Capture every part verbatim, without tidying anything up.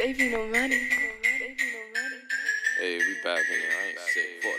Baby, no money. Hey, we back in here. I ain't sick. Fuck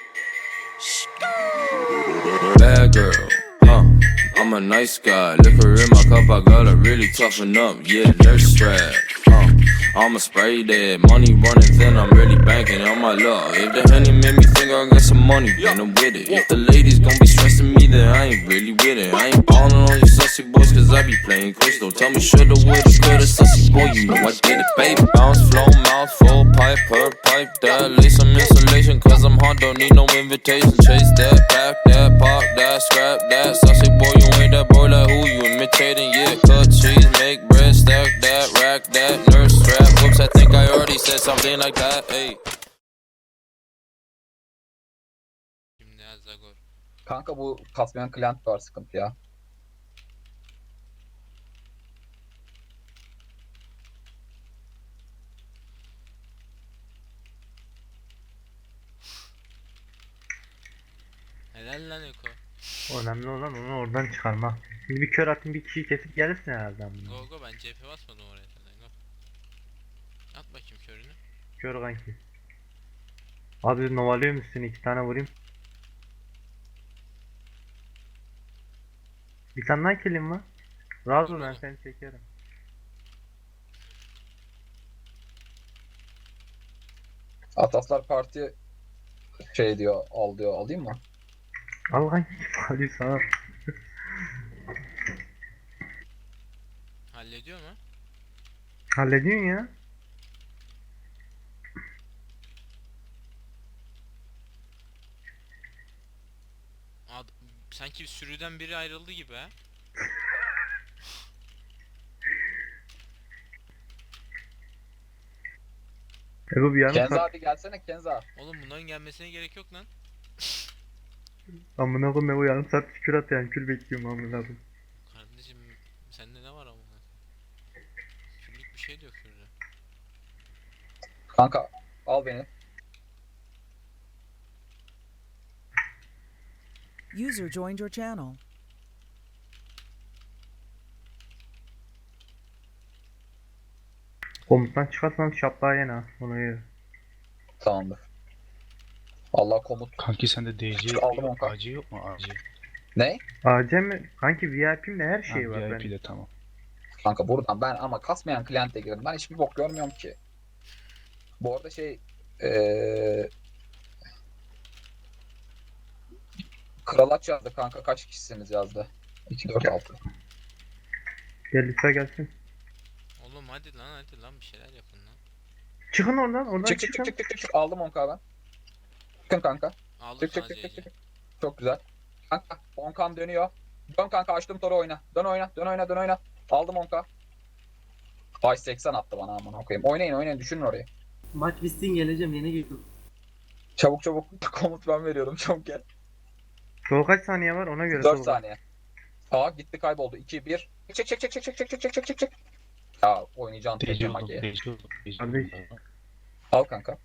that shit. Bad girl, huh? I'm a nice guy. Liquor in my cup, I gotta really toughen up. Yeah, nurse strap, huh? I'ma spray that money running thin. I'm really banking on my luck. If the honey made me think I got some money, then I'm with it. If the ladies gon' be stressing me, then I ain't really with it. I ain't ballin' on you sussy boys, cause I be playing crystal. Tell me shoulda, woulda, coulda, sussy boy, you know I did it, baby. Bounce, flow, mouth, full pipe, per pipe that. Lay some insulation, cause I'm hot, don't need no invitation. Chase that, pack that, pop that, scrap that. Sussy boy, you ain't that boy, like who you imitating? Yeah, cut cheese, make bread, stack that, rack that, nurse strap. Whoops, I think I already said something like that, hey. Şimdi Zagor. Kanka bu kasmayan client var, sıkıntı ya. Helal lan Eko. Önemli olan onu oradan çıkarmak. Şimdi bir kör atın bir kişiyi kesip gelirsin herhalde bunu. Go go, ben C P basmadım oraya zaten. Go. At bakayım körünü. Kör kanki. Abi novalıyor musun? İki tane vurayım. Bir tane daha killim var. Razı ol, ben seni çekerim. Ataslar Parti şey diyor, al diyor, alayım mı? Al kanki. Hadi sana. Hallediyor mu? Hallediyorsun ya. Ad sanki bir sürüden biri ayrıldı gibi ha. Ego bir yarım Kenza saat. abi gelsene Kenza. Oğlum bunların gelmesine gerek yok lan. Amına koyayım, Ego yarım saat kür at yani, kül bekliyorum amına koyayım. Kardeşim sende ne var amına? Küllük bir şey de yok şurada. Kanka al beni. User joined your channel. Komuttan çıkarsam şaplığa yene ha. Ona göre. Tamamdır. Allah komut. Kanki sende D C Aldım onu kanka. A C yok mu A C? Ne? A C mi? Kanki V I P'imde her şey Ha, var V I benim. P'de tamam. Kanka buradan ben ama kasmayan client'e girdim. Ben hiçbir bok görmüyorum ki. Bu arada şey ee... Kralaç yazdı kanka, kaç kişisiniz yazdı. iki dört altı. Gel lise gelsin. Oğlum hadi lan hadi lan bir şeyler yapın lan. Çıkın oradan, oradan Çık çık çıkın. çık çık çık çık, aldım on K ben. Çıkın kanka. Aldım Çık çık sana çık çık C C. çık. Çok güzel. Kanka on K'm dönüyor. Dön kanka, açtım toru, oyna. Dön oyna, dön oyna, dön oyna. Aldım on K. Ay seksen attı bana, aman okuyayım. Oynayın oynayın, düşünün orayı. Maç bitsin geleceğim, yeni girdim. Çabuk çabuk komut ben veriyorum, çabuk gel. Sol kaç saniye var ona göre. dört sol. saniye. Aa gitti, kayboldu. iki bir. Çek çek çek çek çek çek çek çek çek çek çek. Ya oynayacağın D C tekrar oldum, magiye. D C oldum, D C Kardeş. oldum. Al kanka.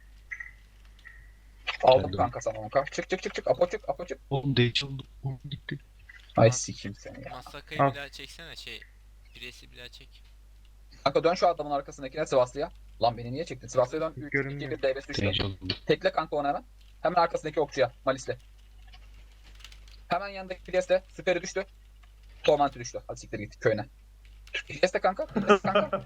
Aldım Geldim. kanka sana on K. Çık çık çık çık. Apo çık, apo çık. Oğlum D C oldum, oğlum gitti. Ay sikeyim seni ya. Masakayı Al. bir daha çeksene şey. Biresi bir daha çek. Kanka dön şu adamın arkasındakine, Sivaslı'ya. Lan beni niye çektin? Sivaslı'ya dön. üç iki Görünmüyor. bir D B S üçle. D C oldum. Tekle kanka onu hemen. Hemen arkasındaki okçuya. Malis'le. Hemen yanındaki Priest'e. Süperi düştü. Tormenti düştü. Hadi siktir git köyüne. Priest'e kanka. Priest'e kanka.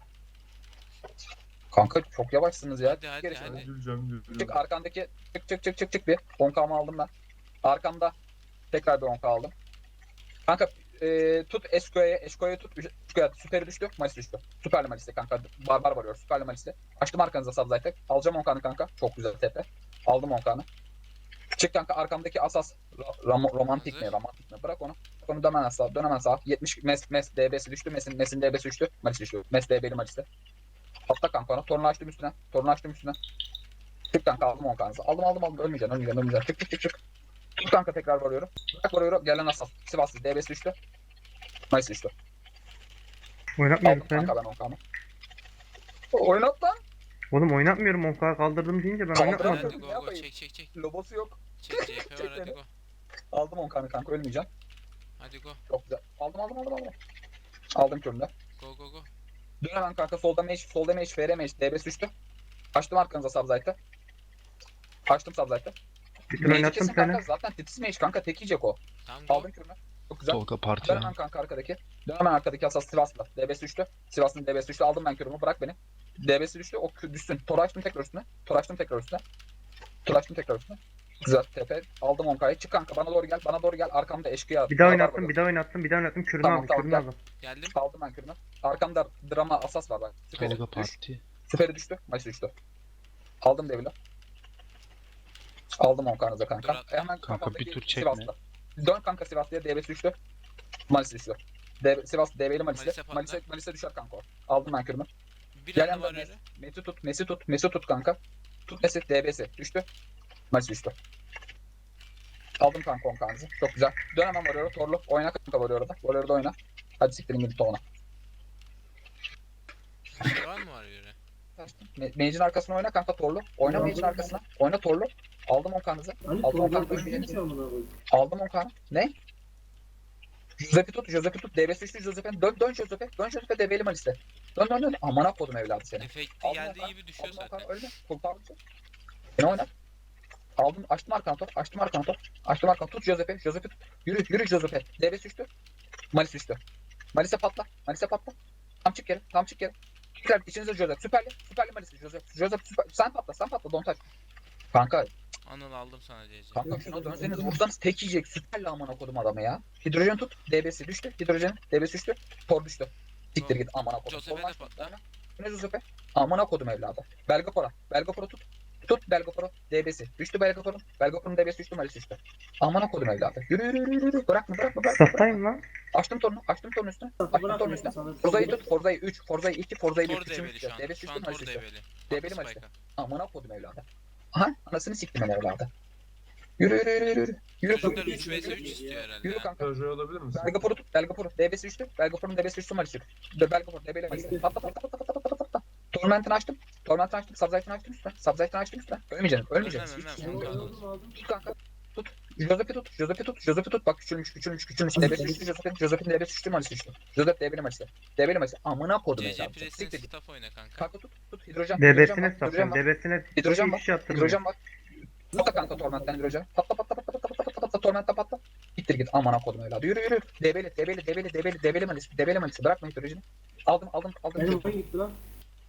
Kanka çok yavaşsınız ya. Hadi hadi Geri hadi. çık arkandaki. Çık çık çık çık çık bir. on K'mı aldım ben. Arkamda. Tekrar bir on K aldım. Kanka e, tut Esko'ya. Esko'ya tut. Esko'ya süperi düştü. Malis düştü. Süperli Malis'te kanka. Barbar varıyor. Süperli Malis'te. Açtım arkanıza Subzite'e. Alacağım on K'nı kanka. Çok güzel tepe. Aldım on K'nı. Çık kanka arkamdaki asas. Ram- romantik mi? Hazır. Romantik mi? Bırak onu. Bırak onu, dönen sağ. Dönemen sağ. yetmiş mes mes D B'si düştü. Mes'in mes'in D B'si düştü. Malis düştü. Mes D B'li Malis'te. Atla kanka onu. Torunu açtım üstüne. Torunu açtım üstüne. Çık kanka, aldım on K'nızı. Aldım aldım aldım. Ölmeyeceksin ölmeyeceksin ölmeyeceksin. Çık çık çık çık. Çık kanka, tekrar varıyorum. Bırak varıyorum. Gelen asas. Sivaslı D B'si düştü. Malis düştü. Oynatmıyorum Aldım seni. kanka ben on K'nı. Oynat lan. Oğlum oynatmıyorum, on K kaldırdım deyince ben Kaldır oynatmadım. abi. Hadi Ne go go, yapayım? çek çek çek. Lobosu yok. Çek C P var hadi beni. go. Aldım on K'nı kanka, ölmeyeceğim. Hadi go. Çok güzel. Aldım aldım aldım aldım. Aldım köründe. Go go go. Dön hemen kanka solda mage, solda mage, F R mage, D B S düştü. Açtım arkanıza Subzite'ı. Açtım Subzite'ı. Bir tur Mage'i oynattım kesin kanka seni. zaten titiz mage kanka tek yiyecek o. Tamam go. Aldım kürünü. Çok güzel. Tolga parti Dön ya. hemen kanka arkadaki. Dön hemen arkadaki asas Sivas'la. D B S düştü. Sivas'ın D B S düştü. Aldım ben kürümü. Bırak beni. D B S düştü. O kü- düşsün. Tor açtım tekrar üstüne. Tor açtım tekrar üstüne. Tor açtım tekrar üstüne. Güzel tepe. Aldım on K'yı. Çık kanka bana doğru gel. Bana doğru gel. Arkamda eşkıya. Bir daha Radar oynattım, var. bir daha oynattım, bir daha oynattım. Kürünü Tamam, aldım, tamam, kürünü gel. aldım. Geldim. Aldım ben kürümü. Arkamda drama asas var bak. Süperi. Tolga Düş. parti. Süperi düştü. Maç düştü. Aldım Devil'i. Aldım on K'nıza kanka. Dur at. Hemen Kanka, kafamdaki bir tur çekme. Sivas'la. Dön kanka Sivas'ta. D B S düştü. Malis düştü. D Sivas D B'li Malis'e. Malis'e patla. Malis'e Malis'e düşer kanka o. Aldım ben kürümü. Bir Gel anda var yandan öyle. Messi tut, Messi tut, Messi tut kanka. Tut Messi, D B S düştü. Malis düştü. Aldım kanka on K'nızı. Çok güzel. Dön hemen Warrior'a. Torlu. Oyna kanka Warrior'da. Warrior'da oyna. Hadi siktirin gidip Toğuna. Bir var mı var öyle? Me- Mage'in arkasına oyna kanka Torlu. Oyna Ya, Mage'in bu- arkasına. Oyna Torlu. Aldım on K'nızı. Hani Aldım on Tolga K'nızı. ölmeyecek mi amına koyayım? Aldım on K'nı. Ne? Josep'i tut, Josep'i tut. D B S düştü Josep'e. Dön, dön Josep'e. Dön Josep'e D B'li Malis'te. Dön, dön, dön. Amına kodum evladı seni. Efekti Aldım geldiği Okan, gibi düşüyor aldım Okan, zaten. ölme. Kurtardım. Beni oyna. Aldım, açtım arkanı top, açtım arkanı top. Açtım arkanı tut Josep'e, Josep'e tut. Yürü, yürü Josep'e. D B S düştü. Malis düştü. Malis'e patla, Malis'e patla. Tam çık geri, tam çık geri. Tekrar içinize Joseph, süperli, süperli Malis, Joseph. Joseph süper. Sen patla, sen patla, don't touch. Kanka, Anıl aldım sana D C. kanka şuna dönseniz vursanız tek yiyecek. Süperli amına kodum adamı ya. Hidrojen tut, D B S düştü. Hidrojen, D B S düştü. Tor düştü. Siktir git amına kodum. Joseph'e Torunu de açtım, patla. oyna. Bu ne Joseph'e? Amına kodum evladı. Belgapora. Belgapora tut. Tut Belgapora. D B S. Düştü Belgapora'nın. Belgapora'nın D B S düştü. Malis düştü. Amına kodum evladı. Yürü yürü yürü yürü. Bırakma bırakma bırakma. Staftayım lan. Açtım torunu. Açtım torunu üstüne. Bırak Açtım torunu beni, üstüne. sana bir şey Forza'yı diyeyim. tut. Forza'yı üç. Forza'yı iki. Forza'yı bir. Tor Üçünü D B'li düştü. şu an. D B S Şu düştü. an Malis Tor düştü. D B'li. D B'li Attı Malis. spike'a. Amına kodum evladı. Aha anasını siktim ben evladı. Yürü yürü yürü yürü. Yürü. Çocuklar Yürü, üç vs üç istiyor herhalde Yürü ya. kanka. Proje olabilir misin? Belgapor'u tut. Belgapor'u. D B S düştü. Belgapor'un D B S düştü. Malis düştü. Belgapor. D B'li Malis. Patla patla patla patla patla patla. Torment'ini açtım. Torment'ini açtım. Subzite'ini açtım üstüne. Subzite'ini açtım üstüne. Ölmeyeceksin. Ölmeyeceksin. Ölmem, Hiç- ölmem. Ben Aldım. aldım, aldım. Tut kanka. Tut. Joseph'i tut. Joseph'i tut. Joseph'i tut. Bak küçülmüş küçülmüş küçülmüş. D B S düştü. Joseph'in Joseph'in D B S düştü. Malis düştü. Joseph D B'li Malis. D B'li Malis. Amına kodum C C evladım. Press'in Siktir git. staff oyna kanka. Kanka tut. Tut. Hidrojen. Hidrojen D B'sine var. Hidrojen staftayım, var. D B'sine Hidrojen hiçbir var. şey attırmıyor. Hidrojen var. Patla kanka tormentten hidrojen. Patla patla patla patla patla patla patla tormentten patla. Gittir git amına kodum evladı. Yürü yürü. Debeli debeli debeli debeli debeli malis. Debeli malis. Bırakma hidrojeni. Aldım aldım aldım. Benim oyun gitti lan.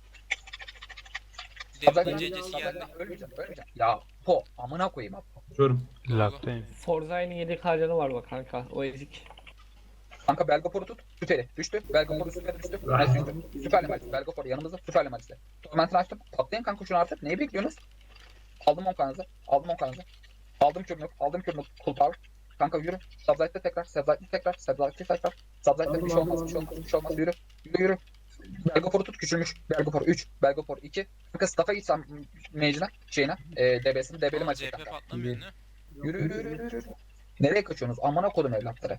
Devletin Sabzaktan C C'si geldi. sabzaktan ölmeyeceğim ölmeyeceğim. Ya po amına koyayım abi. Açıyorum. Lag'dayım. Forza'nın yedi harcanı var bak kanka. O ezik. Kanka Belgapor'u tut. Süperi. Düştü. Belgapor'u süperi düştü. Malis düştü. Süperli malis. Belgapor yanımızda. Süperli malisle. Tormentini açtım. Patlayın kanka şunu artık. Neyi bekliyorsunuz? Aldım on kanınızı. Aldım on kanınızı. Aldım kürnük. Aldım kürnük. Cool power. Kanka yürü. Subzite'de tekrar. Subzite'de tekrar. Subzite'de tekrar. Subzite'de bir şey olmaz. Bir şey olmaz. Bir şey olmaz. Yürü. Yürü yürü. Belgapor'u tut küçülmüş. Belgapor üç. Belgapor iki. Kanka staff'a gitsem mage'ine. Şeyine. E, D B'sini. D B'li Ama maçı C P kanka. patlamıyor ne? Yürü yürü yürü yürü. yürü. Nereye kaçıyorsunuz? Amına kodum evlatları.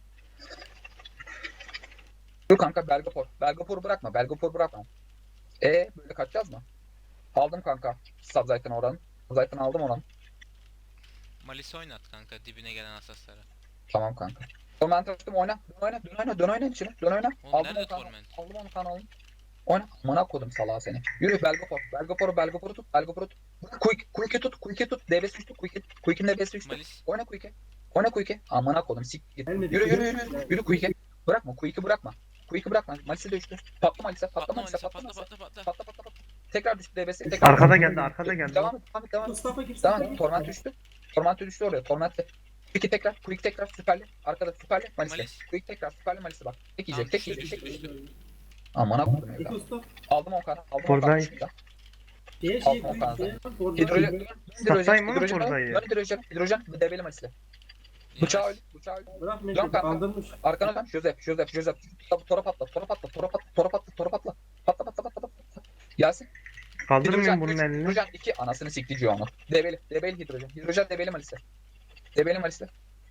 Yürü kanka Belgapor. Belgapor'u bırakma. Belgapor'u bırakma. E böyle kaçacağız mı? Aldım kanka. Subzite'den oranı. Subzite'den aldım oranı. Malis oynat kanka dibine gelen asaslara. Tamam kanka. Torment açtım oyna. Dön oyna. Dön oyna. Dön oyna içine. Dön oyna. Oğlum Aldım nerede onu kanı. Torment? Aldım onu kanı aldım. Oyna. Amına kodum salağı seni. Yürü Belgapor. Belgapor'u Belgapor'u tut. Belgapor'u tut. Quick. Quick'i tut. Quick'i tut. D B S düştü. Quick'i. Quick'in D B S düştü. Malis. Oyna Quick'i. Oyna Quick'i. Amına kodum. Sik git. Gelmedi. Yürü yürü yürü. Yürü Quick'i. Bırakma. Quick'i bırakma. Quick'i bırakma. Malis'e de düştü. Patla Malis'e. Patla Patla Malis'e. Malis'e Patla patla Malis'e. patla patla. Patla patla patla. Tekrar düştü D B S. Tekrar. Arkada geldi, arkada geldi. Devam et. Devam et. Devam et. Mustafa gir. Devam Mustafa et. Torment düştü. Torment düştü oraya. Torment'te. Quick'i tekrar. Quick tekrar. Süperli. Arkada süperli. Malis'e. Malis. Quick tekrar. Süperli Malis'e bak. Tek Tamam, yiyecek. Tek düştü, yiyecek. Tek düştü, yiyecek. düştü. Amına kodum İki evladım. usta. Aldım on kanı. Aldım on Forza'yı. kanı. Diye Al, şey al, al. koyayım. Hidrojen. Hidrojen. Sattayım oğlum Hidrojen. Forza'yı. Hidrojen. Hidrojen. Hidrojen. Debeli Malis'e. Bıçağı öyle. Bıçağı öyle. Bırak Dön beni. kanka. Kandırmış. Arkana dön. Joseph. Joseph. Joseph. Tora patla. Tora patla. Tora patla. Tora patla. Tora patla. Patla patla patla patla. Gelsin. Kaldırmıyorum bunun üç, elini. Hidrojen iki. Anasını sikti onu. Debeli. Debeli hidrojen. Hidrojen debeli Malis'e. Debeli Malis'e.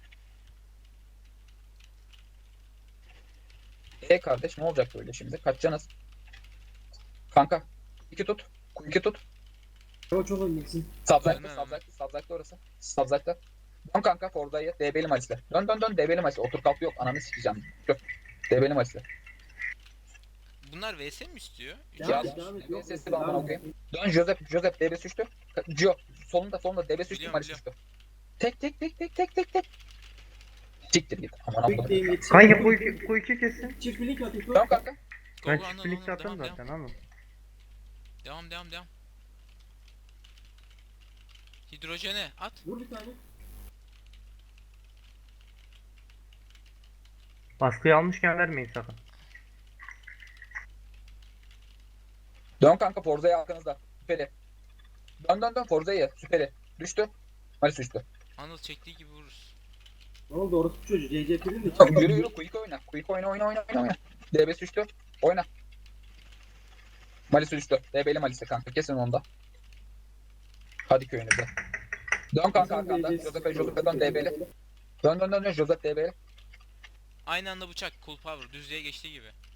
E kardeş ne olacak böyle şimdi? Kaçacaksınız. Kanka. iki tut. iki tut. Ama çok öndesin. Subzite'de, Ölmem, Subzite'de, Subzite'de orası. Subzite'de. Dön kanka Forda'yı. D B'li Malis'le. Dön dön dön D B'li Malis'le. Otur kalk yok. Ananı sikeceğim. Dur. D B'li Malis'le. Bunlar Bunlar V S mi istiyor? Devam Ya, et, devam et. Yok, sesli devam bana et. okuyayım. Dön Joseph, Joseph D B S üçtü. Gio, solunda solunda D B S üçtü, Biliyorum, Malis biliyorum. üçtü. Tek tek tek tek tek tek tek. Siktir git. Aman Quick Allah'ım. game yetişir. Kanka bu iki, bu iki kesin. Çift birlik at İpo. Tamam kanka. Go Ben go, çift Anıl, birlikte Anıl, atarım devam, zaten ama. Devam devam devam. Hidrojene at. Vur bir tane. Baskıyı almışken vermeyin sakın. Dön kanka Forza'ya arkanızda. Süperi. Dön dön dön Forza'ya. Süperi. Düştü. Malis düştü. Anıl çektiği gibi vururuz. Ne oldu orospu çocuğu? C C P'nin de Tamam, yürü yürü quick oyna. Quick oyna oyna oyna oyna. oyna. D B S düştü. Oyna. Malis düştü. D B'li Malis'e kanka. Kesin onda. Hadi köyünüze. Dön kanka arkanda. Joseph'e Joseph'e dön D B'li. Dön dön dön dön Joseph D B'li. Aynı anda bıçak. Cool power. Düzlüğe geçtiği gibi.